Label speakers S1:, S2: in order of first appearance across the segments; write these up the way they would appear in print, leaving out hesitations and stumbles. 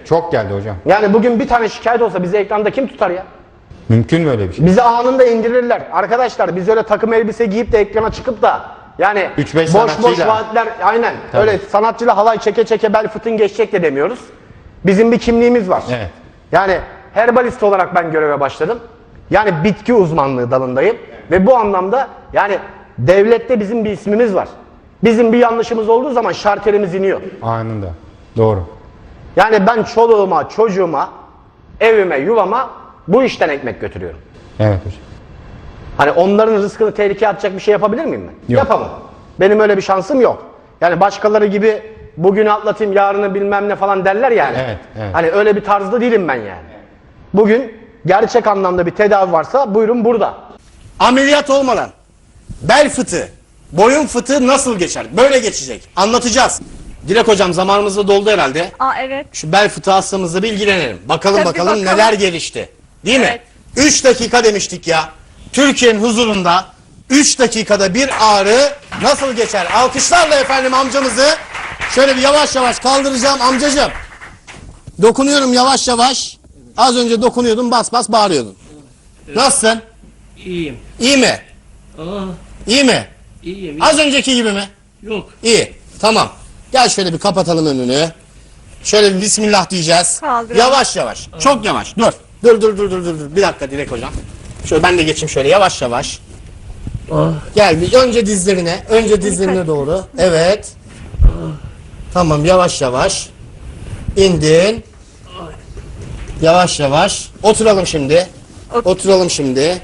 S1: Çok geldi hocam.
S2: Yani bugün bir tane şikayet olsa bizi ekranda kim tutar ya?
S1: Mümkün mü öyle bir şey?
S2: Bizi anında indirirler. Arkadaşlar biz öyle takım elbise giyip de ekrana çıkıp da yani
S1: 3-5
S2: boş
S1: sanatçıyla.
S2: vaatler, aynen
S1: Tabii.
S2: öyle sanatçıyla halay çeke çeke bel fıtın geçecek de demiyoruz. Bizim bir kimliğimiz var.
S1: Evet.
S2: Yani herbalist olarak ben göreve başladım. Yani bitki uzmanlığı dalındayım. Ve bu anlamda yani devlette bizim bir ismimiz var. Bizim bir yanlışımız olduğu zaman şarterimiz iniyor.
S1: Anında. Doğru.
S2: Yani ben çoluğuma, çocuğuma, evime, yuvama bu işten ekmek götürüyorum.
S1: Evet hocam.
S2: Hani onların rızkını tehlikeye atacak bir şey yapabilir miyim ben?
S1: Yok.
S2: Yapamam. Benim öyle bir şansım yok. Yani başkaları gibi bugünü atlatayım, yarını bilmem ne falan derler yani.
S1: Evet, evet.
S2: Hani öyle bir tarzda değilim ben yani. Bugün gerçek anlamda bir tedavi varsa buyurun burada. Ameliyat olmadan bel fıtığı, boyun fıtığı nasıl geçer? Böyle geçecek. Anlatacağız. Dilek hocam zamanımız da doldu herhalde.
S3: Evet.
S2: Şu bel fıtığı hastamızla bir ilgilenelim. Bakalım
S3: Tabii,
S2: bakalım neler gelişti. Değil mi?
S3: Evet.
S2: 3 dakika demiştik ya. Türkiye'nin huzurunda 3 dakikada bir ağrı nasıl geçer? Alkışlarla efendim amcamızı şöyle bir yavaş yavaş kaldıracağım amcacığım. Dokunuyorum yavaş yavaş. Az önce dokunuyordun, bas bas bağırıyordun. Nasılsın?
S4: İyiyim.
S2: İyi mi?
S4: Aa,
S2: İyi mi?
S4: iyiyim.
S2: Az önceki gibi mi?
S4: Yok.
S2: İyi. Tamam. Gel şöyle bir kapatalım önünü. Şöyle bir bismillah diyeceğiz.
S3: Kaldıralım.
S2: Yavaş yavaş. Çok yavaş. Dur. Dur. Bir dakika Dilek hocam. Şöyle ben de geçeyim şöyle yavaş yavaş.
S4: Ah,
S2: Gel bir önce dizlerine. Önce dizlerine doğru. Evet. Tamam yavaş yavaş. İndin. Yavaş yavaş. Oturalım şimdi. Oturalım şimdi.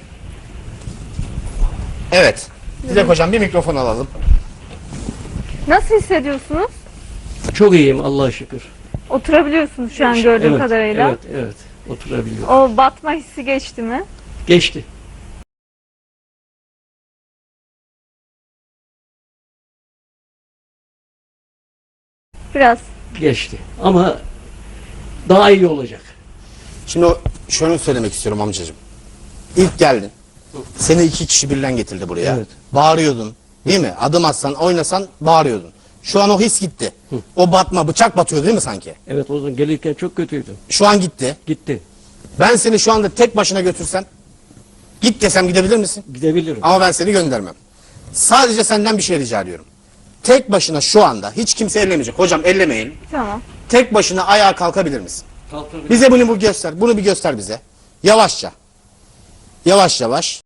S2: Evet. Dilek hocam bir mikrofon alalım.
S3: Nasıl hissediyorsunuz?
S4: çok iyiyim Allah'a şükür.
S3: Oturabiliyorsunuz şu an gördüğüm
S4: Evet,
S3: kadarıyla.
S4: evet. Oturabiliyorum.
S3: O batma hissi geçti mi?
S4: Geçti.
S3: Biraz.
S4: Geçti. Ama daha iyi olacak.
S2: Şimdi şunu söylemek istiyorum amcacığım. İlk geldin. Seni 2 kişi birden getirdi buraya.
S4: Evet.
S2: Bağırıyordun. Değil mi? Adım atsan, oynasan bağırıyordun. Şu an o his gitti. O batma, bıçak batıyor değil mi sanki?
S4: Evet, o zaman gelirken çok kötüydüm.
S2: Şu an gitti.
S4: Gitti.
S2: Ben seni şu anda tek başına götürsem, git desem gidebilir misin?
S4: Gidebilirim.
S2: Ama ben seni göndermem. Sadece senden bir şey rica ediyorum. Tek başına şu anda hiç kimse ellemeyecek. Hocam ellemeyin.
S3: Tamam.
S2: Tek başına ayağa kalkabilir misin?
S4: Kalkabilirim.
S2: Bize bunu göster. Bunu bir göster bize. Yavaşça. Yavaş yavaş.